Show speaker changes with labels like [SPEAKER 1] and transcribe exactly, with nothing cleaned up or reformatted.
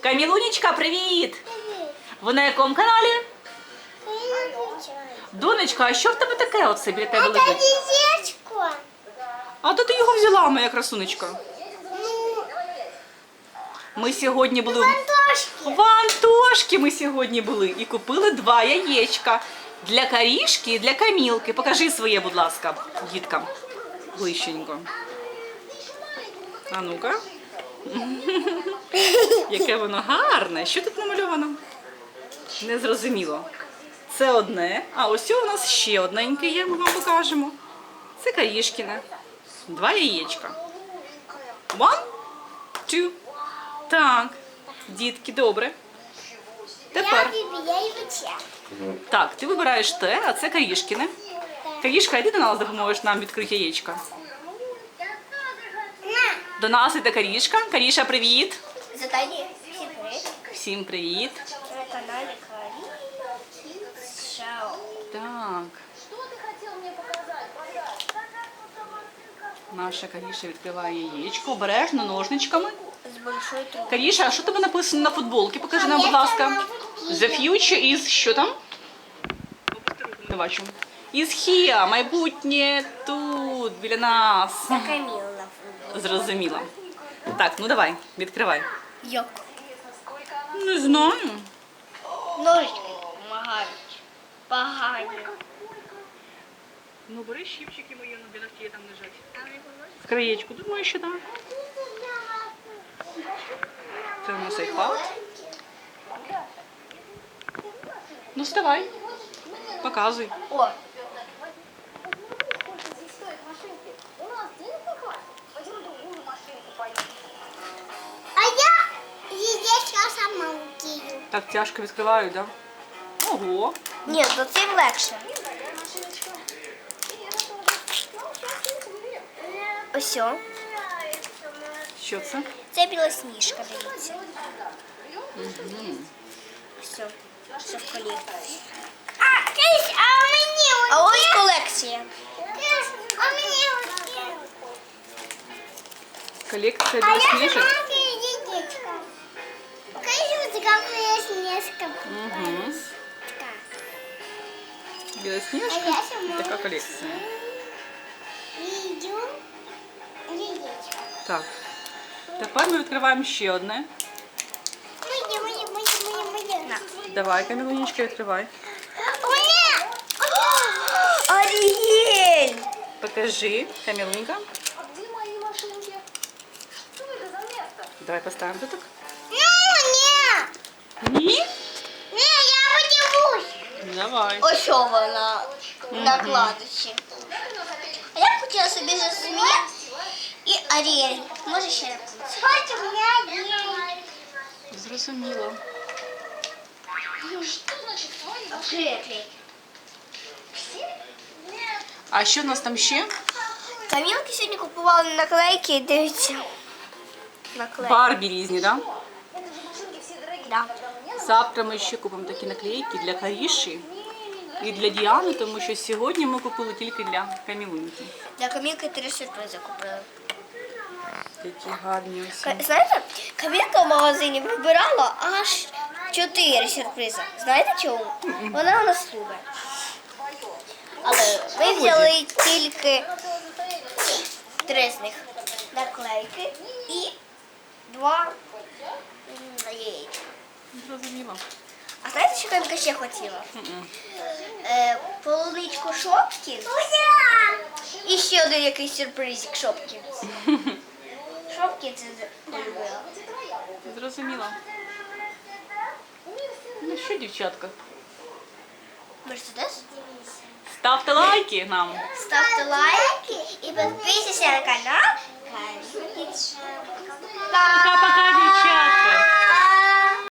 [SPEAKER 1] Камілунечка, привіт! Ви на якому каналі? Донечка, а що в тебе таке оце біля тебе лежить?
[SPEAKER 2] Яєчко.
[SPEAKER 1] А то ти його взяла, моя красунечка. Ми сьогодні були
[SPEAKER 2] Антошки.
[SPEAKER 1] в Антошки ми сьогодні були і купили два яєчка для Карішки і для Камілки. Покажи своє, будь ласка, діткам. Ближченько. А ну-ка. Яке воно гарне. Що тут намальовано? Незрозуміло. Це одне. А ось у нас ще одненьке є, ми вам покажемо. Це Карішкіне. Два яєчка. One, two. Так. Дітки, добре. Тепер.
[SPEAKER 2] Я вибираю.
[SPEAKER 1] Так, ти вибираєш те, а це Карішкіне. Карішка, йди до нас, допоможеш нам відкрити яєчка.
[SPEAKER 2] На.
[SPEAKER 1] До нас іде Карішка. Каріша, привіт.
[SPEAKER 2] Задание. Всем привет.
[SPEAKER 1] Всім привіт.
[SPEAKER 2] На канале Кари. Шоу.
[SPEAKER 1] Так. Наша Каріша відкриває яєчко. Обережно, ножничками.
[SPEAKER 2] С большой трубой.
[SPEAKER 1] Каріша, а що тебе написано на футболці? Покажи нам, будь ласка. The future is... Що там? Не бачу. Is here. Майбутнє тут, біля нас.
[SPEAKER 2] За Камилу на футбол.
[SPEAKER 1] Зрозуміло. Так, ну давай, відкривай.
[SPEAKER 2] Йок.
[SPEAKER 1] Не знаю.
[SPEAKER 2] Ножички помогають. Погані.
[SPEAKER 1] Ну, бери щипчики мої, ну, біля стіни там лежать. В краєчку, думаю, що так. Це у нас айпад. Ну, вставай. Показуй.
[SPEAKER 2] О, а я яєчко сама вкину.
[SPEAKER 1] Так тяжко відкриваю, так? Да? Ого.
[SPEAKER 2] Ні, то цим легше. Ось. о.
[SPEAKER 1] Що це?
[SPEAKER 2] Це білосніжка, дивіться. Все. Все в колекції. А, Крис, а мені А ось колекція. Крис, а мені
[SPEAKER 1] Колекція
[SPEAKER 2] А я
[SPEAKER 1] білосніжок.
[SPEAKER 2] сама яєчко. Покажи, ось така білосніжка.
[SPEAKER 1] Угу.
[SPEAKER 2] Так. А
[SPEAKER 1] Білосніжка.
[SPEAKER 2] я сама.
[SPEAKER 1] Така колекція.
[SPEAKER 2] Відео. Яєчко.
[SPEAKER 1] Так. Тепер ми відкриваємо ще одне.
[SPEAKER 2] Моє, моє, моє, моє, моє.
[SPEAKER 1] Давай, Камілунечка, відкривай.
[SPEAKER 2] Моє! Аріель!
[SPEAKER 1] Покажи, Камілунька. Давай поставимо тут.
[SPEAKER 2] Ну, ні!
[SPEAKER 1] Ні?
[SPEAKER 2] Ні, я подивлюсь.
[SPEAKER 1] Давай.
[SPEAKER 2] Ось що вона накладочі. А я б хотіла собі зрозуміти і Аріель. Може ще раз. Хочу у мене Аріель.
[SPEAKER 1] Зрозуміло.
[SPEAKER 2] Клей.
[SPEAKER 1] А що в нас там ще?
[SPEAKER 2] Камілки сьогодні купували наклейки, дивіться. Наклейки.
[SPEAKER 1] Барбі різні, так?
[SPEAKER 2] Да.
[SPEAKER 1] Да? Завтра ми ще купимо такі наклейки для Каріші і для Діани, тому що сьогодні ми купили тільки для Камілуньки.
[SPEAKER 2] Для Камілки три сюрпризи купили.
[SPEAKER 1] Такі гарні усі.
[SPEAKER 2] Ка- Знаєте, Камілка в магазині вибирала аж чотири сюрпризи. Знаєте чому? Вона у нас любить. Але ми взяли тільки три з них наклейки і два м, яєчка.
[SPEAKER 1] Зрозуміло.
[SPEAKER 2] А знаєте, що Камілка ще хотіла?
[SPEAKER 1] Мгм.
[SPEAKER 2] Е, полуничку Шопкін і ще один якийсь сюрпризик Шопкін. Шопкін це полюбила.
[SPEAKER 1] Зрозуміло. Ну що, дівчатка,
[SPEAKER 2] Мерседес?
[SPEAKER 1] ставте лайки нам.
[SPEAKER 2] Ставте лайки і підписуйтесь на канал.
[SPEAKER 1] Пока-пока, дівчатка.